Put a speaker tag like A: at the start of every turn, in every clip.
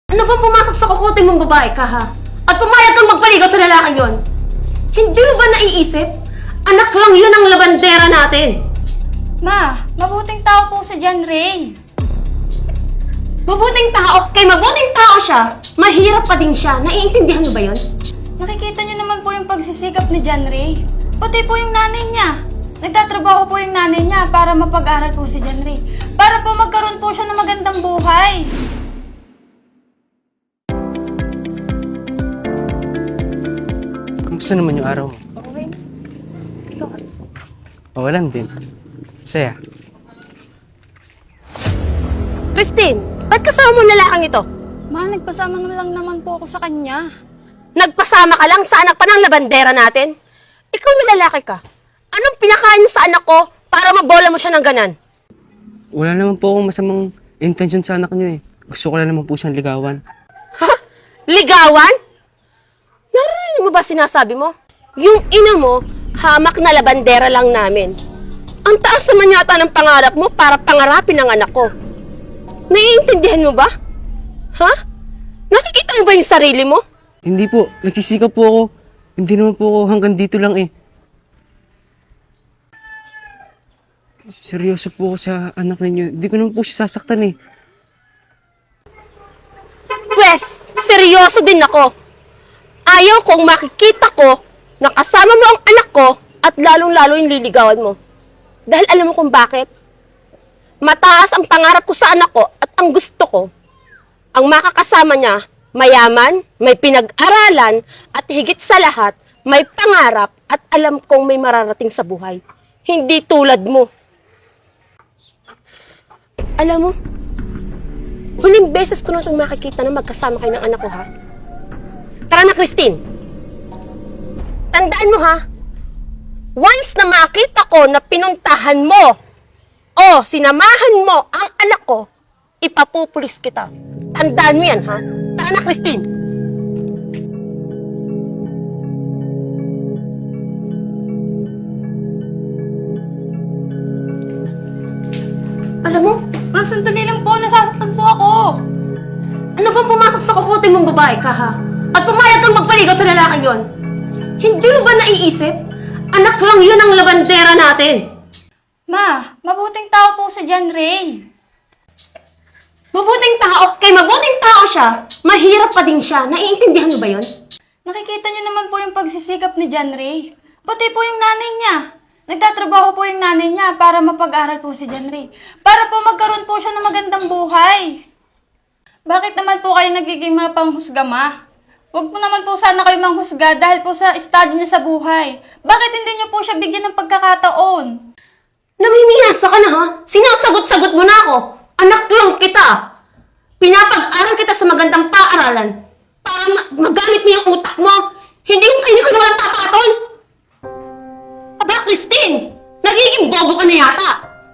A: Ano bang pumasok sa kukote mong babae ka, ha? At pumayag kang magpaligaw sa lalaking yon? Hindi mo ba naiisip? Anak lang yun ang labandera natin.
B: Ma, mabuting tao po si John Ray.
A: Mabuting tao, kay mabuting tao siya, mahirap pa din siya. Naiintindihan mo ba yun?
B: Nakikita niyo naman po yung pagsisikap ni John Ray. Pati po yung nanay niya. Nagtatrabaho po yung nanay niya para mapag-aral po si John Ray. Para po magkaroon po siya ng magandang buhay.
C: Kamusta naman yung araw mo?
B: Okay. Ikaw, Aris.
C: Okay lang din. Saya.
A: Christine, ba't kasama mo ang lalaking ito?
B: Ma, nagpasama na lang naman po ako sa kanya.
A: Nagpasama ka lang sa anak pa ng labandera natin? Ikaw na lalaki ka. Anong pinakain mo sa anak ko para mabola mo siya ng ganan?
C: Wala naman po akong masamang intention sa anak niyo eh. Gusto ko lang naman po siyang ligawan.
A: Ha? Ligawan? Narinig mo ba sinasabi mo? Yung ina mo, hamak na labandera lang namin. Ang taas naman yata ng pangarap mo para pangarapin ang anak ko. Naiintindihan mo ba? Ha? Nakikita mo ba yung sarili mo?
C: Hindi po. Nagsisikap po ako. Hindi naman po ako hanggang dito lang eh. Seryoso po ako sa anak ninyo. Hindi ko naman po siya sasaktan eh.
A: Pwes, seryoso din ako. Ayaw kong makikita ko na kasama mo ang anak ko at lalong-lalo yung liligawan mo. Dahil alam mo kung bakit? Mataas ang pangarap ko sa anak ko at ang gusto ko, ang makakasama niya, mayaman, may pinag-aralan, at higit sa lahat, may pangarap at alam kong may mararating sa buhay. Hindi tulad mo. Alam mo, huling beses ko na itong makikita na magkasama kayo ng anak ko, ha? Tara na, Christine. Tandaan mo, ha? Once na makita ko na pinuntahan mo o sinamahan mo ang anak ko, ipapupulis kita. Tandaan mo yan, ha? Tara na, Christine. Alam mo,
B: Ma, sandali lang po. Nasasaktan po ako.
A: ano bang pumasok sa kukote mong babae ka, ha? At pumayag kang magpaligaw sa lalaking yon? Hindi mo ba naiisip? Anak lang yun ang labandera natin.
B: Ma, mabuting tao po si John Ray.
A: Mabuting tao, kay mabuting tao siya, mahirap pa din siya. Naiintindihan mo ba yun?
B: Nakikita niyo naman po yung pagsisikap ni John Ray. Pati po yung nanay niya. Nagtatrabaho po yung nanay niya para mapag-aral po si John Ray. Para po magkaroon po siya ng magandang buhay. Bakit naman po kayo nagiging mga panghusga, Ma? Huwag po naman po sana kayo manghusga dahil po sa estado niya sa buhay. Bakit hindi niyo po siya bigyan ng pagkakataon?
A: Namimiyasa ka na, ha? Sinasagot-sagot mo na ako. Anak lang kita. Pinapag-aral kita sa magandang paaralan para magamit mo yung utak mo. Hindi yung kayo ka na walang tapaton. Aba, Christine! Nagiging bobo ka na yata.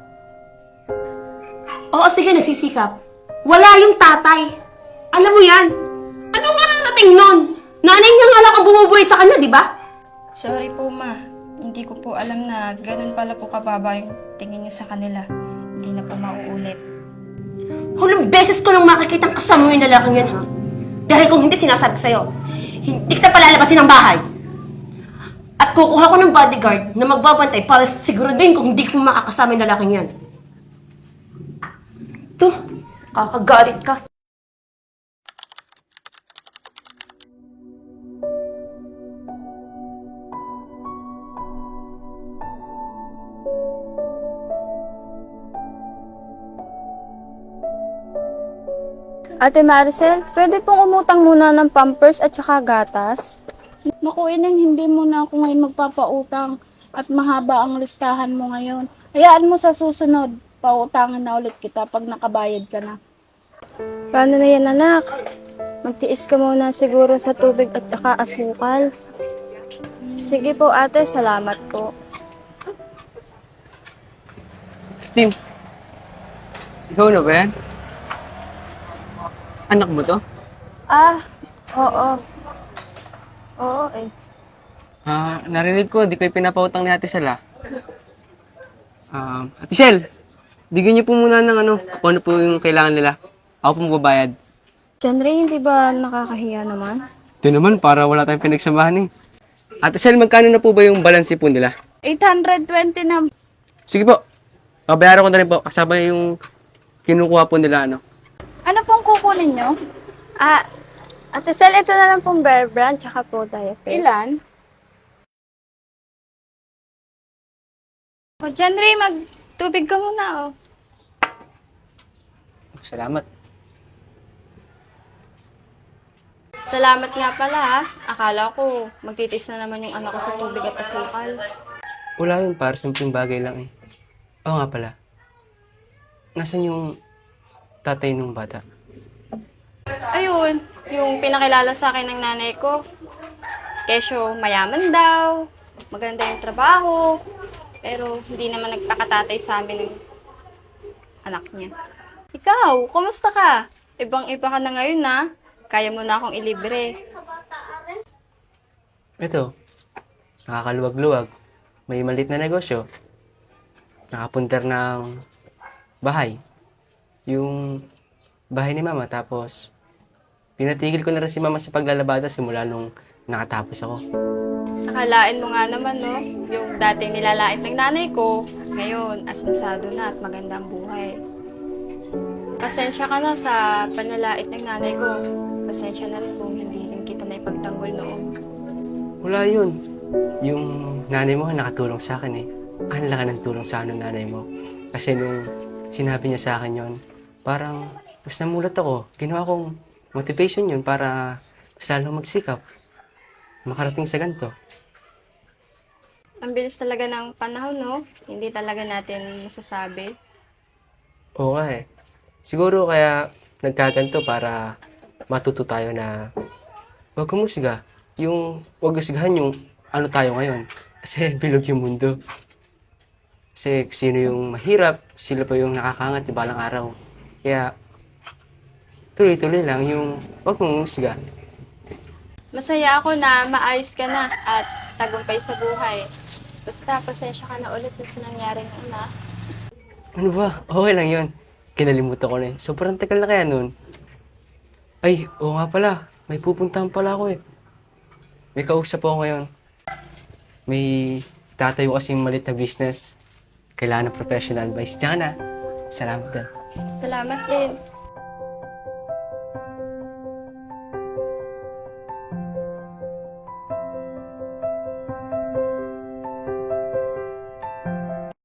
A: Oo, sige, nagsisikap. Wala yung tatay. Alam mo yan. Anong mararating nun? Nanay niya nga lang ang bumubuhay sa kanya, di ba?
B: Sorry po, Ma. Hindi ko po alam na ganun pala po kababa yung tingin niyo sa kanila. Hindi na po mauulit.
A: Hulong beses ko nang makikitang kasama mo yung lalaking yan, ha? Dahil kung hindi sinasabi ko sa'yo, hindi kita palalabasin ng bahay. At kukuha ko ng bodyguard na magbabantay para siguro din kung hindi ko makakasama yung lalaking yan. Ito, kakagalit ka.
D: Ate Maricel, pwede pong umutang muna ng Pampers at saka gatas?
E: Naku, Ineng, hindi mo na ako ngayon magpapautang at mahaba ang listahan mo ngayon. Hayaan mo sa susunod, pautangan na ulit kita pag nakabayad ka na.
D: Paano na yan, anak? Magtiis ka muna siguro sa tubig at saka asukal. Sige po, ate. Salamat po.
C: Christine, ikaw na ba yan? Anak mo to?
D: Oo. Oo, eh.
C: Narinig ko, di kayo pinapautang ni Ate Sel, Ate Sel, bigyan niyo po muna ng kung ano po yung kailangan nila. Ako po magbabayad.
D: John Ray, hindi ba nakakahiya naman?
C: Ito naman, para wala tayong pinagsamahan eh. Ate Sel, magkano na po ba yung balance po nila?
E: 820 na.
C: Sige po. Babayaran ko na rin po. Kasama yung kinukuha po nila, ano.
E: Ano pong kukunin nyo?
D: Ate Sel, ito na lang pong Bear Brand, tsaka po diaper.
E: Ilan?
D: O, John Ray, magtubig ka muna, oh.
C: Salamat.
B: Salamat nga pala ha. Akala ko magtitis na naman yung anak ko sa tubig at asukal.
C: Wala yun, para simpleng bagay lang eh. Oo nga pala. Nasaan yung tatay nung bata?
B: Ayun, yung pinakilala sa akin ng nanay ko. Kesyo, mayaman daw, maganda yung trabaho, pero hindi naman nagpakatatay sa amin ng anak niya. Ikaw, kumusta ka? Ibang-iba ka na ngayon na. Kaya mo na akong ilibre.
C: Ito, nakakaluwag-luwag. May malit na negosyo. Nakapunter ng bahay. Yung bahay ni mama. Tapos, pinatigil ko na rin si mama sa paglalabada simula nung nakatapos ako.
B: Akalain mo nga naman, no? Yung dating nilalait ng nanay ko, ngayon, asensado na at maganda ang buhay. Pasensya ka na sa panlalait ng nanay ko. Pasensya na rin kung hindi rin kita na ipagtanggol noon.
C: Wala yun. Yung nanay mo nakatulong sa akin eh. Ang laki ng tulong sa akin ng nanay mo. Kasi nung sinabi niya sa akin yon, parang mas namulat ako. Ginawa kong motivation yun para mas lalong magsikap. Makarating sa ganito.
B: Ang bilis talaga ng panahon, no? Hindi talaga natin masasabi.
C: Oo nga eh. Siguro kaya nagkaganto para matuto tayo na huwag kumusga. Yung huwag usgahan yung ano tayo ngayon. Kasi bilog yung mundo. Kasi sino yung mahirap, sila pa yung nakakangat sa balang araw. Kaya tuloy-tuloy lang yung huwag kumusga.
B: Masaya ako na maayos ka na at tagumpay sa buhay. Basta, pasensya ka na ulit dun sa nangyari noon, ha?
C: Ano ba? Okay lang yun. Kinalimutan ko na yun. Sobrang tagal na kaya nun. Ay, oo nga pala. May pupuntahan pala ako eh. May kausap ako ngayon. May tatayo kasing malit na business. Kailangan ng professional advice. Diyan ka na. Salamat din.
B: Salamat din.